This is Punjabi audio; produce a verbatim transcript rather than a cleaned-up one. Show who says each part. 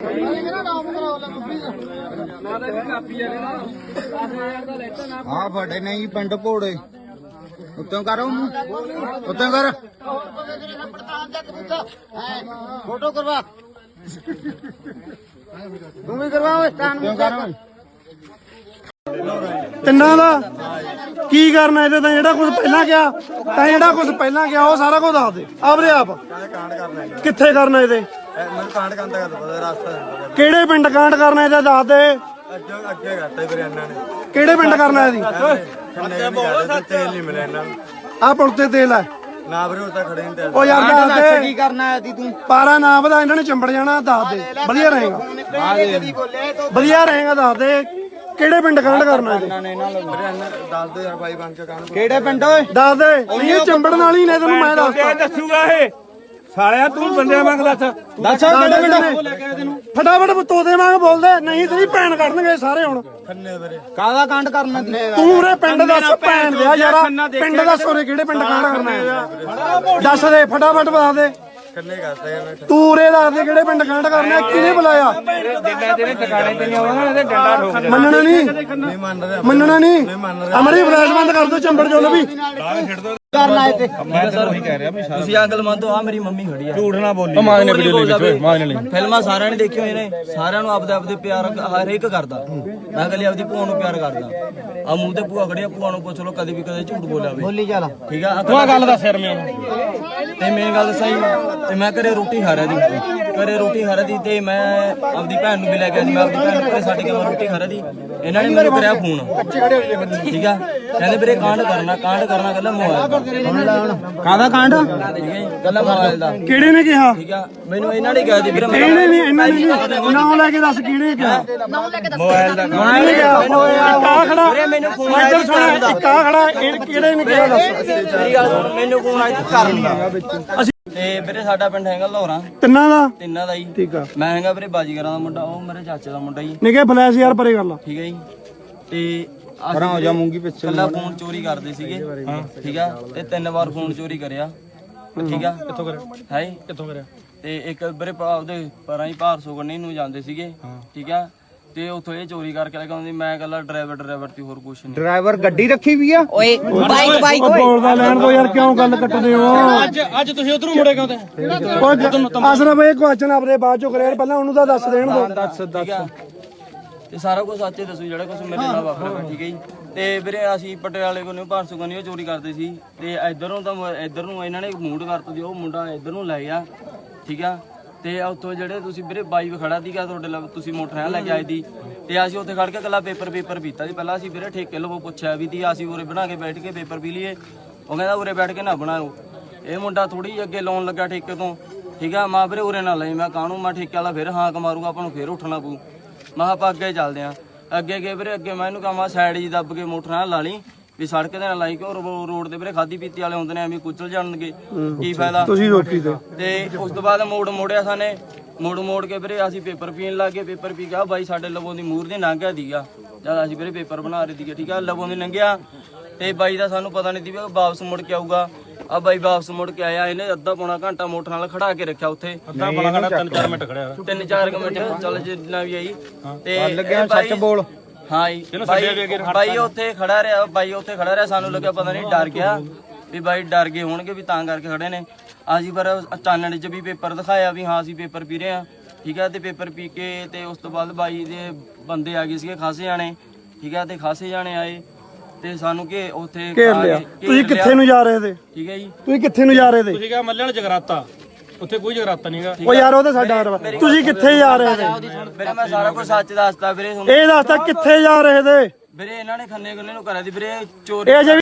Speaker 1: हाँ फटे नहीं पिंड भोड़े उत्तों करो उत्तों कर फोटो करवा तू भी करवा
Speaker 2: ਤਿੰਨਾਂ ਦਾ ਕੀ ਕਰਨਾ ਇਹਦੇ ਤਾਂ ਜਿਹੜਾ ਕੁਝ ਪਹਿਲਾਂ ਗਿਆ ਤਾਂ ਜਿਹੜਾ ਕੁਝ ਪਹਿਲਾਂ ਗਿਆ ਉਹ ਸਾਰਾ ਕੁਝ ਦੱਸ ਦੇ ਆਪਰੇ ਆਪ ਕਿੱਥੇ ਕਰਨਾ ਇਹਦੇ
Speaker 1: ਮੈਨੂੰ ਕਾਂਡ ਕੰਦਾ ਕਰ ਪਤਾ ਰਸਤਾ
Speaker 2: ਕਿਹੜੇ ਪਿੰਡ ਕਾਂਡ ਕਰਨਾ ਇਹਦਾ ਦੱਸ ਦੇ
Speaker 1: ਅੱਗੇ ਅੱਗੇ ਕਰਤਾ ਵੀਰੇ ਇਹਨਾਂ ਨੇ
Speaker 2: ਕਿਹੜੇ ਪਿੰਡ ਕਰਨਾ ਇਹਦੀ
Speaker 1: ਤੇਲ ਨਹੀਂ ਮਿਲਿਆ ਇਹਨਾਂ ਨੂੰ
Speaker 2: ਆਹ ਪੁਲ ਤੇ ਤੇਲ ਹੈ
Speaker 1: ਨਾ ਵੀਰੇ ਉਹ ਤਾਂ ਖੜੇ ਨਹੀਂ
Speaker 2: ਉਹ ਯਾਰ ਦੱਸ ਦੇ
Speaker 1: ਕੀ ਕਰਨਾ ਹੈ ਤੂੰ
Speaker 2: ਪਾਰਾ ਨਾ ਵਧਾ ਇਹਨਾਂ ਨੇ ਚੰਬੜ ਜਾਣਾ ਦੱਸ ਦੇ ਵਧੀਆ ਰਹੇਗਾ ਵਧੀਆ ਰਹੇਗਾ ਦੱਸ ਦੇ ਕਿਹੜੇ ਪਿੰਡ ਕਾਂਡ ਕਰਨਾ
Speaker 1: ਇਹਨਾਂ ਨੇ ਇਹਨਾਂ ਨੂੰ ਦੱਸ ਦੋ ਯਾਰ ਬਾਈ ਬਣ ਕੇ ਕਾਂਡ ਕਿਹੜੇ ਪਿੰਡ ਓਏ
Speaker 2: ਦੱਸ ਦੇ ਨਹੀਂ ਇਹ ਚੰਬੜਨ ਵਾਲੀ ਨੇ ਤੈਨੂੰ ਮੈਂ ਦੱਸਦਾ
Speaker 3: ਦੱਸੂਗਾ ਇਹ ਸਾਲਿਆ ਤੂੰ ਬੰਦੇ ਵਾਂਗ ਦੱਸ
Speaker 2: ਦੱਸ ਕਿਹੜੇ ਪਿੰਡ ਫਟਾਫਟ ਤੋਦੇ ਵਾਂਗ ਬੋਲਦੇ ਨਹੀਂ ਤੇਰੀ ਭੈਣ ਕੱਢਣਗੇ ਸਾਰੇ ਹੁਣ
Speaker 1: ਖੰਨੇ ਵੀਰੇ ਕਾਹਦਾ ਕਾਂਡ ਕਰਨਾ
Speaker 2: ਤੂੰ ਉਰੇ ਪਿੰਡ ਦੱਸ ਭੈਣ ਦਿਆ ਯਾਰਾ ਪਿੰਡ ਦੱਸ ਉਰੇ ਕਿਹੜੇ ਪਿੰਡ ਕਾਂਡ ਕਰਨਾ ਹੈ ਦੱਸ ਦੇ ਫਟਾਫਟ ਬਤਾ ਦੇ
Speaker 1: ਖੰਨੇ ਕਰਦਾ ਯਾਰ
Speaker 2: ਤੂੰ ਉਰੇ ਦੱਸ ਦੇ ਕਿਹੜੇ ਪਿੰਡ ਕਾਂਡ ਕਰਨਾ ਕਿਹਨੇ ਬੁਲਾਇਆ
Speaker 3: ਜਿੰਨਾ ਤੇਰੇ ਟਿਕਾਣੇ ਤੇ ਨਹੀਂ ਆਉਣਾ ਇਹਦੇ ਡੰਡਾ ਠੋਕ ਦੇ
Speaker 2: ਮੰਨਣਾ ਨਹੀਂ
Speaker 1: ਨਹੀਂ ਮੰਨ ਰਿਹਾ
Speaker 2: ਮੰਨਣਾ ਨਹੀਂ ਅਮਰੀ ਫਲੈਸ਼ ਬੰਦ ਕਰ ਦੋ ਚੰਬੜ ਚੋਲ ਵੀ
Speaker 1: ਕਰਨਾ ਹੈ ਤੇ
Speaker 3: ਮੈਂ ਸਰ ਉਹੀ ਕਹਿ ਰਿਹਾ ਵੀ
Speaker 4: ਤੁਸੀਂ ਅੰਕਲ ਮੰਨ ਦੋ ਆ ਮੇਰੀ ਮੰਮੀ ਖੜੀ ਆ
Speaker 3: ਝੂਠ ਨਾ ਬੋਲੀ ਮਾਂ ਨੇ ਵੀਡੀਓ ਲਈ ਵਿੱਚ ਮਾਂ ਨੇ ਲਈ
Speaker 4: ਫਿਲਮਾਂ ਸਾਰਿਆਂ ਨੇ ਦੇਖੀ ਹੋਏ ਨੇ ਸਾਰਿਆਂ ਨੂੰ ਆਪਦੇ ਆਪਦੇ ਪਿਆਰ ਹਰ ਇੱਕ ਕਰਦਾ ਮੈਂ ਕਹਿੰਦੀ ਆਪਦੀ ਭੂਆ ਨੂੰ ਪਿਆਰ ਕਰਦਾ ਆ ਮੂੰਹ ਤੇ ਭੂਆ ਖੜੀ ਆ ਭੂਆ ਨੂੰ ਪੁੱਛ ਲੋ ਕਦੇ ਵੀ ਕਦੇ ਝੂਠ ਬੋਲਿਆ ਵੇ
Speaker 1: ਬੋਲੀ ਚੱਲ
Speaker 4: ਠੀਕ ਆ
Speaker 3: ਤੂੰ ਆ ਗੱਲ ਦੱਸ ਯਾਰ ਮੈਨੂੰ
Speaker 4: ਤੇ ਮੇਨ ਗੱਲ ਸਹੀ ਤੇ ਮੈਂ ਘਰੇ ਰੋਟੀ ਖਾ ਰਿਹਾ ਦੀ ਘਰੇ ਰੋਟੀ ਖਾ ਰਹੀ ਤੇ ਮੈਂ ਆਪਦੀ ਭੈਣ ਨੂੰ ਵੀ ਲੈ ਕੇ ਆਈ ਮੈਂ ਆਪਦੀ ਭੈਣ ਨੂੰ ਘਰੇ ਛੱਡ ਕੇ ਮੈਂ ਰੋਟੀ ਖਾ ਰਹੀ ਇਹਨਾਂ ਨੇ ਮੈਨੂੰ ਕਰਿਆ ਫੋਨ ਠੀਕ ਆ ਕਹਿੰਦੇ ਵੀਰੇ ਕਾਂਡ ਕਰਨਾ ਕਾਂਡ ਕਰਨਾ ਕਹਿੰਦਾ ਮੋਬਾਈਲ
Speaker 1: ਕਾਹਦਾ ਕਾਂਡ
Speaker 4: ਗੱਲਾਂ ਮੋਬਾਈਲ ਦਾ
Speaker 2: ਕਿਹੜੇ ਨੇ ਕਿਹਾ
Speaker 4: ਠੀਕ ਆ ਮੈਨੂੰ ਇਹਨਾਂ ਨੇ ਕਿਹਾ ਜੀ ਵੀਰੇ
Speaker 2: ਇਹਨੇ ਨਹੀਂ ਇਹਨਾਂ ਨੇ ਨਹੀਂ ਨਾਮ ਲੈ ਕੇ ਦੱਸ ਕਿਹੜੇ ਕਿਹਾ
Speaker 4: ਮੋਬਾਈਲ ਦਾ
Speaker 2: ਮੈਂ ਨਹੀਂ ਕਿਹਾ ਕਾ ਖੜਾ
Speaker 4: ਵੀਰੇ ਮੈਨੂੰ ਫੋਨ
Speaker 2: ਮੈਂ ਇੱਧਰ ਸੁਣਿਆ ਕਾ ਖੜਾ ਇਹ ਕਿਹੜੇ ਨੇ ਕਿਹਾ ਦੱਸ
Speaker 4: ਮੇਰੀ ਗੱਲ ਸੁਣ ਮੈਨੂੰ ਫੋਨ ਆਇਆ ਕਰਨਾ ਤੇ ਵੀਰੇ ਸਾਡਾ ਪਿੰਡ ਹੈਗਾ ਲੋਹਰਾ
Speaker 2: ਤਿੰਨਾਂ ਦਾ
Speaker 4: ਤਿੰਨਾਂ ਦਾ ਜੀ
Speaker 2: ਠੀਕ ਆ
Speaker 4: ਮੈਂ ਹੈਗਾ ਵੀਰੇ ਬਾਜੀਗਰਾਂ ਦਾ ਮੁੰਡਾ ਉਹ ਮੇਰੇ ਚਾਚੇ ਦਾ ਮੁੰਡਾ ਜੀ
Speaker 2: ਨਿਕੇ ਫਲੈਸ਼ ਯਾਰ ਪਰੇ ਕਰ ਲਾ
Speaker 4: ਠੀਕ ਹੈ ਜੀ ਤੇ
Speaker 1: ਪਰਾਂ ਹੋ ਜਾ ਮੂੰਗੀ ਪਿੱਛੇ
Speaker 4: ਕੱਲਾ ਫੋਨ ਚੋਰੀ ਕਰਦੇ ਸੀਗੇ ਠੀਕ ਆ ਤੇ ਤਿੰਨ ਵਾਰ ਫੋਨ ਚੋਰੀ ਕਰਿਆ ਠੀਕ ਆ ਕਿੱਥੋਂ ਕਰਿਆ ਹੈ
Speaker 3: ਕਿੱਥੋਂ ਕਰਿਆ
Speaker 4: ਤੇ ਇੱਕ ਵੀਰੇ ਉਹਦੇ ਪਰਾਂ ਹੀ ਭਾਰਸੋ ਗੰਨੀ ਨੂੰ ਜਾਂਦੇ ਸੀਗੇ ਠੀਕ ਆ ਤੇ ਉੱਥੋਂ ਇਹ ਚੋਰੀ ਕਰਕੇ ਲੈ ਕੇ ਆਉਂਦੀ ਮੈਂ ਕੱਲਾ ਡਰਾਈਵਰ ਡਰਾਈਵਰ ਤੇ ਹੋਰ ਕੁਛ ਨਹੀਂ
Speaker 1: ਡਰਾਈਵਰ ਗੱਡੀ ਰੱਖੀ ਵੀ ਆ
Speaker 5: ਓਏ ਬਾਈਕ ਬਾਈਕ
Speaker 2: ਉਹ ਬੋਲਦਾ ਲੈਣ ਦੋ ਯਾਰ ਕਿਉਂ ਗੱਲ ਕੱਟਦੇ ਹੋ
Speaker 3: ਅੱਜ ਅੱਜ ਤੁਸੀਂ ਉਧਰੋਂ ਮੁੜੇ ਕਿਉਂ ਤੇ
Speaker 2: ਉਹ ਅਸਰਫ ਇਹ ਕੁਐਸਚਨ ਆਪਣੇ ਬਾਅਦ ਚੋਂ ਕਰਿਆ ਪਹਿਲਾਂ ਉਹਨੂੰ ਤਾਂ ਦੱਸ ਦੇਣ ਦੋ
Speaker 1: ਦੱਸ
Speaker 4: ਠੀਕ ਆ ਤੇ ਸਾਰਾ ਕੁਝ ਸੱਚੇ ਦੱਸੋ ਜਿਹੜਾ ਕੁਝ ਮੇਰੇ ਨਾਲ ਵਾਪਰਿਆ ਠੀਕ ਹੈ ਜੀ ਤੇ ਵੀਰੇ ਅਸੀਂ ਪਟਿਆਲੇ ਕੋਲੋਂ ਭਾਰਸੂ ਗੰਨੀ ਉਹ ਚੋਰੀ ਕਰਦੇ ਸੀ ਤੇ ਇਧਰੋਂ ਤਾਂ ਇਧਰ ਨੂੰ ਇਹਨਾਂ ਨੇ ਮੂਡ ਕਰਤ ਦਿਓ ਉਹ ਮੁੰਡਾ ਇਧਰ ਨੂੰ ਲੈ ਗਿਆ ਠੀਕ ਆ ਤੇ ਉੱਥੋਂ ਜਿਹੜੇ ਤੁਸੀਂ ਵੀਰੇ ਬਾਈ ਵੀ ਖੜਾ ਸੀਗਾ ਤੁਹਾਡੇ ਲਈ ਤੁਸੀਂ ਮੋਟਰ ਲੈ ਕੇ ਆਏ ਦੀ ਤੇ ਅਸੀਂ ਉੱਥੇ ਖੜ ਕੇ ਕੱਲਾ ਪੇਪਰ ਪੇਪਰ ਪੀਤਾ ਸੀ ਪਹਿਲਾਂ ਅਸੀਂ ਵੀਰੇ ਠੇਕੇ ਲਵੋ ਪੁੱਛਿਆ ਵੀ ਦੀ ਅਸੀਂ ਉਰੇ ਬਣਾ ਕੇ ਬੈਠ ਕੇ ਪੇਪਰ ਪੀ ਲਈਏ ਉਹ ਕਹਿੰਦਾ ਉਰੇ ਬੈਠ ਕੇ ਨਾ ਬਣਾਓ ਇਹ ਮੁੰਡਾ ਥੋੜੀ ਅੱਗੇ ਲਾਉਣ ਲੱਗਾ ਠੇਕੇ ਤੋਂ ਠੀਕ ਆ ਮਾਂ ਵੀਰੇ ਉਰੇ ਨਾ ਲਈ ਮੈਂ ਕਾਹਨੂੰ ਮੈਂ ਠੇਕੇ ਵਾਲਾ ਫਿਰ ਹਾਂਕ ਮਾਰੂਗਾ ਆਪਾਂ ਨੂੰ ਫਿਰ ਉੱਠਣਾ ਪਊ ਮੈਂ ਆਪਾਂ ਅੱਗੇ ਚੱਲਦੇ ਆ ਅੱਗੇ ਗਏ ਵੀਰੇ ਅੱਗੇ ਮੈਂ ਇਹਨੂੰ ਕਹਾਂ ਸਾਈਡ ਜੀ ਦੱਬ ਕੇ ਮੋਟਰ ਨਾਲ ਲਾ ਲਈ ਵੀ ਸੜਕ ਦੇ ਨਾਲ ਲਾਈ ਕਿ ਰੋਡ ਤੇ ਵੀਰੇ ਖਾਦੀ ਪੀਤੀ ਵਾਲੇ ਹੁੰਦੇ ਨੇ ਐਵੇਂ ਕੁਚਲ ਜਾਣਗੇ ਕੀ ਫਾਇਦਾ
Speaker 2: ਤੁਸੀਂ ਰੋਕੀ ਤੇ
Speaker 4: ਤੇ ਉਸ ਤੋਂ ਬਾਅਦ ਮੋੜ ਮੋੜਿਆ ਸਾਨੇ ਮੋੜ ਮੋੜ ਕੇ ਵੀਰੇ ਅਸੀਂ ਪੇਪਰ ਪੀਣ ਲੱਗ ਗਏ ਪੇਪਰ ਪੀ ਗਿਆ ਬਾਈ ਸਾਡੇ ਲਵੋਂ ਦੀ ਮੂਰ ਦੀ ਲੰਘਿਆ ਦੀਗਾ ਜਦ ਅਸੀਂ ਵੀਰੇ ਪੇਪਰ ਬਣਾ ਰਹੇ ਸੀਗੇ ਠੀਕ ਆ ਲਵੋਂ ਦੀ ਲੰਘਿਆ ਤੇ ਬਾਈ ਦਾ ਸਾਨੂੰ ਪਤਾ ਨਹੀਂ ਸੀ ਵੀ ਉਹ ਵਾਪਸ ਮੁੜ ਕੇ ਆਊਗਾ ਆ ਬਾਈ ਵਾਪਸ ਮੁੜ ਕੇ ਆਇਆ ਇਹਨੇ ਅੱਧਾ ਪੌਣਾ ਘੰਟਾ ਮੋਟਰ ਨਾਲ ਖੜਾ ਕੇ ਰੱਖਿਆ ਉੱਥੇ
Speaker 3: ਅੱਧਾ ਬਣਾ ਘੰਟਾ ਤਿੰਨ ਚਾਰ ਮਿੰਟ ਖੜਿਆ
Speaker 4: ਤਿੰਨ ਚਾਰ ਮਿੰਟ ਚੱਲ ਜਿੰਨਾ ਵੀ ਆਈ ਤੇ
Speaker 1: ਲੱਗਿਆ ਸੱਚ ਬੋਲ
Speaker 4: ਹਾਂ ਜੀ ਬਾਈ ਬਾਈ ਉੱਥੇ ਖੜਾ ਰਿਹਾ ਬਾਈ ਉੱਥੇ ਖੜਾ ਰਿਹਾ ਸਾਨੂੰ ਲੱਗਿਆ ਪਤਾ ਨਹੀਂ ਡਰ ਗਿਆ ਵੀ ਬਾਈ ਡਰ ਗਏ ਹੋਣਗੇ ਵੀ ਤਾਂ ਕਰਕੇ ਖੜੇ ਨੇ ਅਸੀਂ ਪਰ ਚਾਨਣ 'ਚ ਵੀ ਪੇਪਰ ਦਿਖਾਇਆ ਵੀ ਹਾਂ ਅਸੀਂ ਪੇਪਰ ਪੀ ਰਹੇ ਹਾਂ ਠੀਕ ਹੈ ਤੇ ਪੇਪਰ ਪੀ ਕੇ ਤੇ ਉਸ ਤੋਂ ਬਾਅਦ ਬਾਈ ਦੇ ਬੰਦੇ ਆ ਗਏ ਸੀਗੇ ਖਾਸੇ ਜਾਣੇ ਠੀਕ ਹੈ ਤੇ ਖਾਸੇ ਜਾਣੇ ਆਏ ਤੇ ਸਾਨੂੰ ਕਿ ਉੱਥੇ
Speaker 2: ਘੇਰ ਲਿਆ ਤੁਸੀਂ ਕਿੱਥੇ ਨੂੰ ਜਾ ਰਹੇ ਤੇ
Speaker 4: ਠੀਕ ਹੈ ਜੀ
Speaker 2: ਤੁਸੀਂ ਕਿੱਥੇ ਨੂੰ ਜਾ ਰਹੇ ਤੇ
Speaker 3: ਤੁਸੀਂ ਕਿਹਾ ਮੱਲਣ ਜਗਰਾਤਾ ਉੱਥੇ ਕੋਈ ਜਗਰਾਤਾ ਨਹੀਂਗਾ
Speaker 2: ਉਹ ਯਾਰ ਉਹ ਤਾਂ ਸਾਡਾ ਹਰਵਾ ਤੁਸੀਂ ਕਿੱਥੇ ਜਾ ਰਹੇ ਤੇ
Speaker 4: ਵੀਰੇ ਮੈਂ ਸਾਰਾ ਕੁਝ ਸੱਚ ਦੱਸਦਾ ਵੀਰੇ
Speaker 2: ਇਹ ਦੱਸਦਾ ਕਿੱਥੇ ਜਾ ਰਹੇ ਤੇ
Speaker 4: ਵੀਰੇ ਇਹਨਾਂ ਨੇ ਖੰਨੇ ਖੰਨੇ ਨੂੰ ਕਰਿਆ ਦੀ ਵੀਰੇ ਚੋਰੀ
Speaker 2: ਇਹ ਅਜੇ